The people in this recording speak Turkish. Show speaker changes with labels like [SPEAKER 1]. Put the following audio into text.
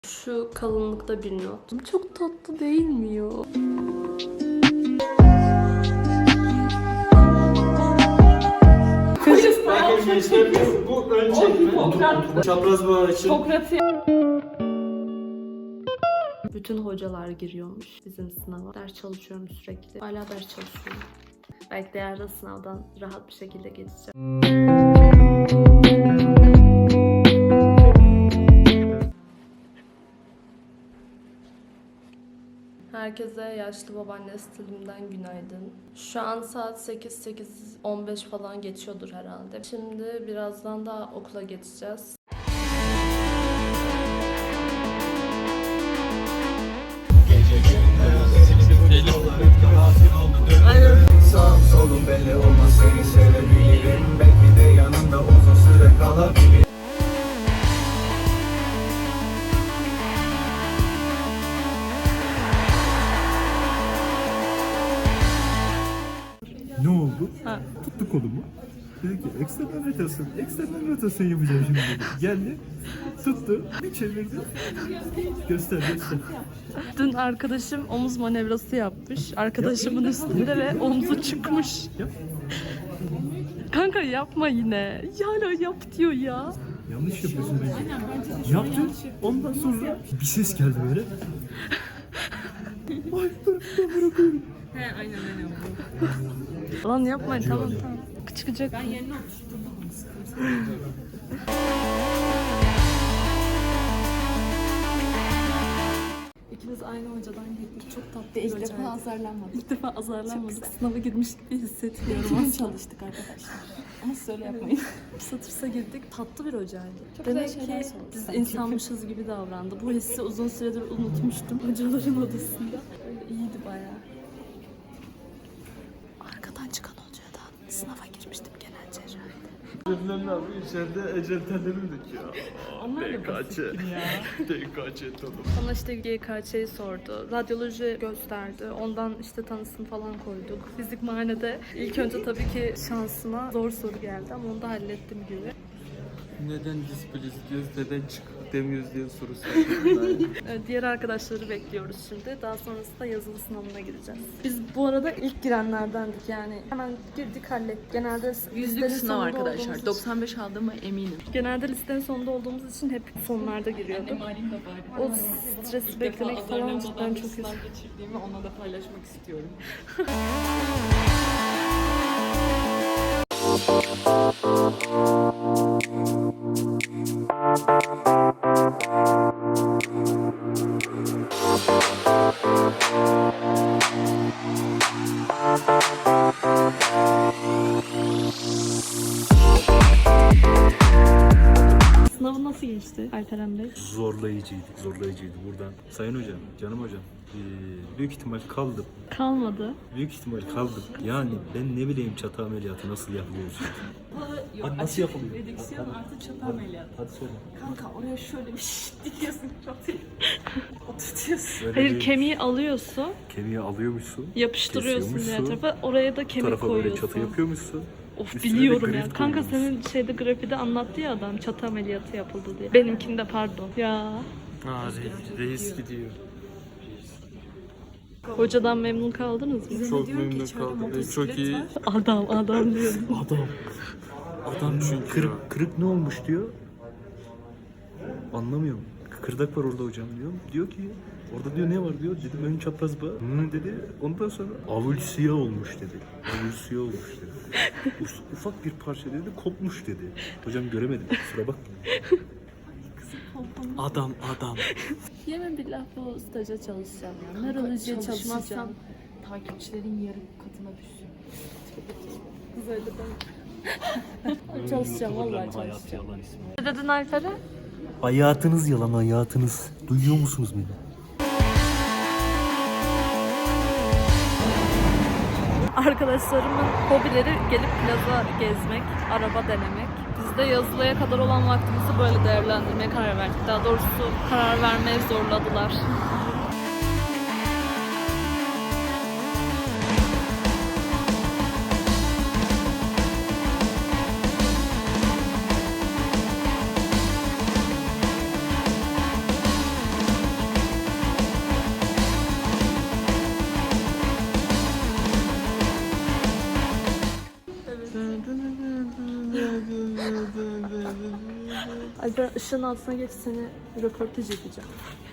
[SPEAKER 1] Şu kalınlıkta bir not. Çok tatlı değil mi ya?
[SPEAKER 2] Belki gençler bu ön çekme. Çapraz bağ için.
[SPEAKER 1] Bütün hocalar giriyormuş bizim sınava. Ders çalışıyorum sürekli. Hala ders çalışıyorum. Belki de yarın sınavdan rahat bir şekilde geçeceğim. Herkese yaşlı babaanne stilimden günaydın. Şu an saat 8:15 falan geçiyordur herhalde. Şimdi birazdan da okula geçeceğiz.
[SPEAKER 3] Sağım solum belli olmaz seni sevebilirim. Belki de yanında uzun süre kalabilirim.
[SPEAKER 4] Ne oldu? Tuttu kolumu. Dedi ki eksternal rotasyon yapacağım şimdi dedi. Geldi, tuttu, bir çevirdi. Göster.
[SPEAKER 1] Dün arkadaşım omuz manevrası yapmış. Arkadaşımın üstünde ve omzu çıkmış.
[SPEAKER 4] Yap.
[SPEAKER 1] Kanka yapma yine. Hala yap diyor ya.
[SPEAKER 4] Yanlış yapıyorsun bence. Yaptı. Ondan sonra bir ses geldi böyle. Ay dur bırakıyorum.
[SPEAKER 1] Lan yapma tamam. Çıkacak. Ben yerine İkimiz aynı hocadan gittik. Çok tatlı. İlk defa azarlanmadık. İlk defa azarlanmadık. Sınava girmiş gibi hissetmiyorum. Az çalıştık arkadaşlar. Ama söyle yapmayın. Satırsa girdik. Tatlı bir hocaydı. Çok demek ki biz insanmışız gibi davrandı. Bu hissi uzun süredir unutmuştum hocaların odasında. Öyle iyiydi bayağı. Arkadan çıkan hocadan sınava girmiştim genel cerrahide.
[SPEAKER 2] Cebimden abi içeride ecel tellerimi döküyor. DKÇ tadım.
[SPEAKER 1] Bana işte GKÇ'yi sordu. Radyoloji gösterdi. Ondan işte tanısını falan koyduk. Fizik muayenede ilk önce tabii ki şansıma zor soru geldi ama onu da hallettim gibi.
[SPEAKER 2] Neden displiz diyoruz, neden çık demiyoruz diye soru sordum.
[SPEAKER 1] Diğer arkadaşları bekliyoruz şimdi. Daha sonrasında yazılı sınavına gireceğiz. Biz bu arada ilk girenlerdendik yani. Hemen girdik hallettik. Genelde
[SPEAKER 5] Yüzlük
[SPEAKER 1] listenin
[SPEAKER 5] sınav
[SPEAKER 1] sonunda
[SPEAKER 5] arkadaşlar.
[SPEAKER 1] olduğumuz için-
[SPEAKER 5] 95 aldığıma eminim.
[SPEAKER 1] Genelde listenin sonunda olduğumuz için hep sonlarda giriyorduk. O stresi beklemek falan cidden çok kötü.
[SPEAKER 5] Geçirdiğimi ona da paylaşmak istiyorum.
[SPEAKER 1] Sınavı nasıl geçti Alperen Bey?
[SPEAKER 4] Zorlayıcıydı. Buradan. Sayın hocam, canım hocam. Büyük ihtimal kaldım.
[SPEAKER 1] Kalmadı.
[SPEAKER 4] Büyük ihtimal kaldım. Yani ben ne bileyim çatı ameliyatı nasıl yapılıyor şimdi. Hadi nasıl yapılıyor?
[SPEAKER 5] Redüksiyon artı çatı ameliyatı.
[SPEAKER 4] Hadi söyle.
[SPEAKER 5] Kanka oraya şöyle bir dikiyorsun çatıyı. Oturtuyorsun.
[SPEAKER 4] Böyle
[SPEAKER 1] Hayır
[SPEAKER 4] bir
[SPEAKER 1] kemiği alıyorsun,
[SPEAKER 4] kemiği alıyormuşsun.
[SPEAKER 1] yapıştırıyorsun diğer
[SPEAKER 4] kesiyormuşsun,
[SPEAKER 1] tarafa. Oraya da
[SPEAKER 4] Bu
[SPEAKER 1] kemik
[SPEAKER 4] tarafa böyle
[SPEAKER 1] koyuyorsun.
[SPEAKER 4] çatı yapıyormuşsun.
[SPEAKER 1] Of
[SPEAKER 4] Üstüne de
[SPEAKER 1] biliyorum ya.
[SPEAKER 4] granit
[SPEAKER 1] Kanka
[SPEAKER 4] koyuyormuşsun.
[SPEAKER 1] senin şeyde grafide anlattı ya adam çatı ameliyatı yapıldı diye. Benimkinde pardon. Ya
[SPEAKER 2] Reis gidiyor.
[SPEAKER 1] hocadan memnun kaldınız mı?
[SPEAKER 2] Çok memnun kaldım. Çok iyi.
[SPEAKER 1] Adam diyor.
[SPEAKER 4] Adam çünkü kırık ne olmuş diyor. Anlamıyorum. Kıkırdak var orada hocam diyor. Diyor ki orada diyor ne var diyor. Dedim ön çapraz bağ. Dedi. Ondan sonra avulsiya olmuş dedi. Avulsiya olmuş dedi. Ufak bir parça dedi kopmuş dedi. Hocam göremedim. Kusura bak.
[SPEAKER 2] Adam.
[SPEAKER 1] Yemin billah bu staja çalışacağım ya. Nörolojiye çalışmazsam
[SPEAKER 5] Takipçilerin yarı katına düşsün.
[SPEAKER 1] kız öyle ben. Çalışacağım vallahi çalışacağım. Ne dedin Alper'e?
[SPEAKER 4] Hayatınız yalan hayatınız. Duyuyor musunuz beni?
[SPEAKER 1] Arkadaşlarımın hobileri gelip plaza gezmek, araba denemek. Biz de yazılıya kadar olan vaktimizi böyle değerlendirmeye karar verdik. Daha doğrusu karar vermeye zorladılar. Alper ışığın altına geç, seni röportaj edeceğim.